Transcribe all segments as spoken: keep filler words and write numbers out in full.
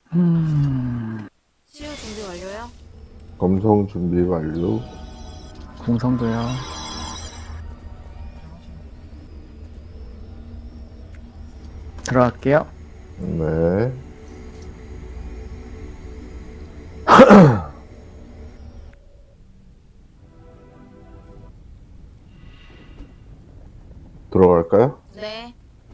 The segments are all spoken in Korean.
음, 치유 준비 완료요? 검성 준비 완료. 공성도요. 들어갈게요. 네. 들어갈까요? 네.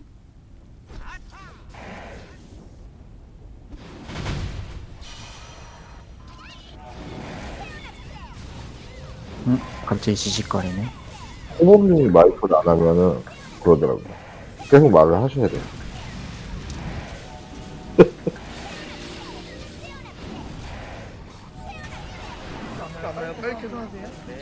음, 갑자기 지직거리네. 호범님이 마이크를 안 하면은 그러더라고요. 계속 말을 하셔야 돼요. 안 나요? 빨리 계산하세요. 네.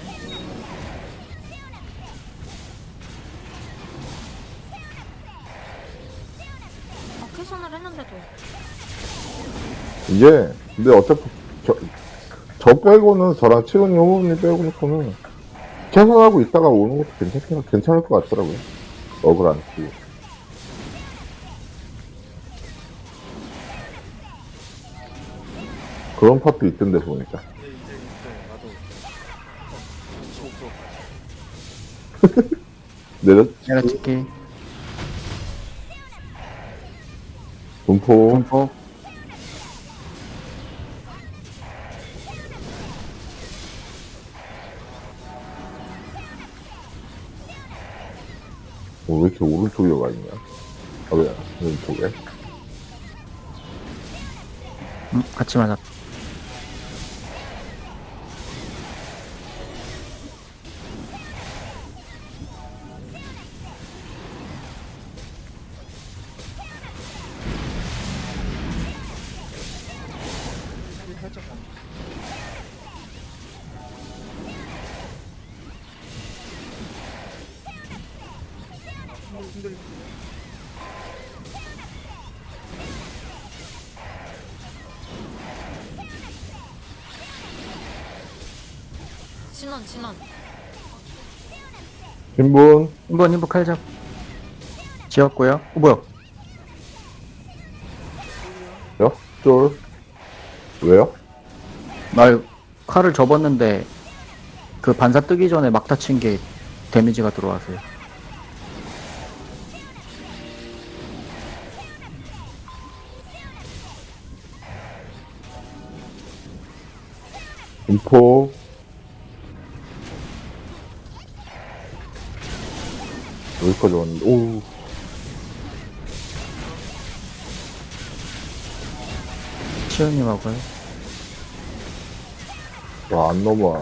아, 캐선을 했는데도. 이게, 근데 어차피, 저, 저 빼고는, 저랑 치훈이 호범님 빼고는, 계산하고 있다가 오는 것도 괜찮긴, 괜찮을 것 같더라고요. 억울 안 쓰고. 그런 파트 있던데 보니까. 네, 이제 있어요. 나도. 어, 저, 저. 내려, 내가 찍기. 분포, 분포. 어, 왜 이렇게 오른쪽에 가 있냐? 아, 왜, 왼쪽에? 음, 같이 맞았. 힐 살짝 감. 힘들, 힘들. 진원, 진원. 신분, 한번 인부 칼잡. 지었고요. 어, 뭐야? 요? 쫄. 왜요? 나 칼을 접었는데 그 반사 뜨기 전에 막 다친 게 데미지가 들어와서요. 분포, 여기까지 왔는데, 오, 치우님하고요. 와, 안 넘어와.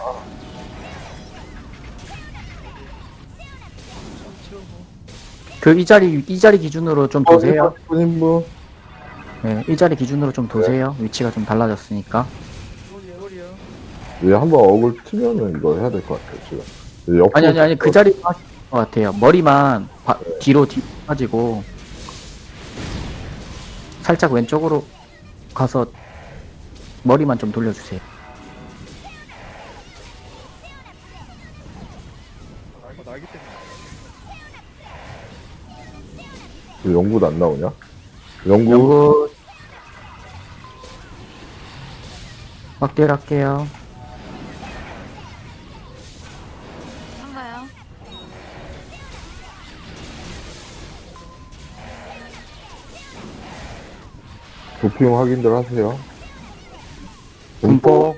채우고. 그 이 자리 이 자리 기준으로 좀 도세요. 신분, 신분. 네, 이 자리 기준으로 좀 도세요. 위치가 좀 달라졌으니까. 홀이요, 홀이요. 얘 한번 억을 치면은 이거 해야 될 것 같아요, 지금. 옆으로 아니 아니 아니 그 자리 하실 것 같아요. 머리만 바, 뒤로 뒤로 빠지고 살짝 왼쪽으로 가서 머리만 좀 돌려주세요. 어, 날기 때문에. 왜 영구도 안 나오냐? 영구, 연구 확대를 할게요. 한가요? 도핑 확인들 하세요. 분포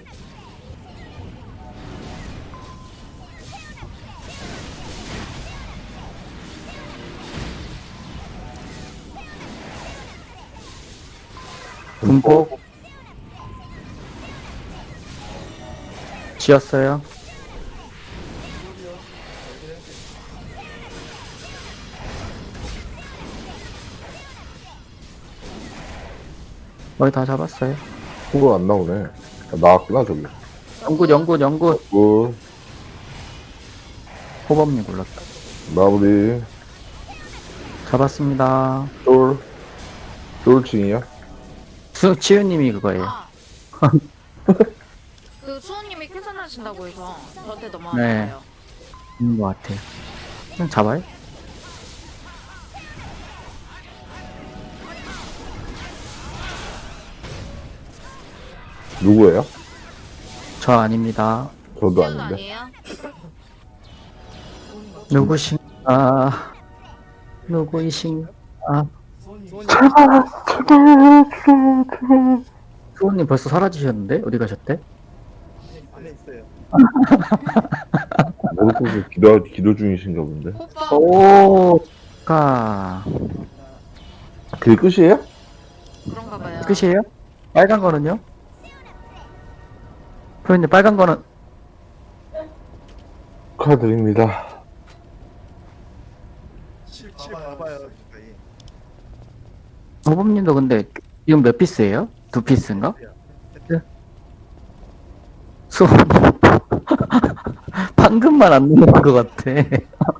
분포 지었어요. 머리 다 잡았어요. 후보 안 나오네. 아, 나왔구나, 저기. 연구 연구 연구 굿, 호범님 골랐다. 마무리. 잡았습니다. 쫄, 쫄칭이야? 수, 치유님이 그거예요. 아! 그 수호님이 캐선하신다고 해서 저한테 넘어간 네. 거예요. 있는 것 같아요. 그냥 잡아요? 누구예요? 저 아닙니다. 저도 시연 아닌데. 아니에요? 누구신가? 누구이신가? 소니 수호님 벌써 사라지셨는데? 어디 가셨대? 안에 있어요. 모르고 기도, 기도 중이신가 본데. 오빠 오, 가. 그게 끝이에요? 그런가 봐요. 끝이에요? 빨간 거는요? 프로님 빨간 거는 축하드립니다. 칠, 칠 봐봐요. 저희. 호범님도 근데 지금 몇 피스예요? 두 피스인가? 수호님 방금만 안 누른 것 같아.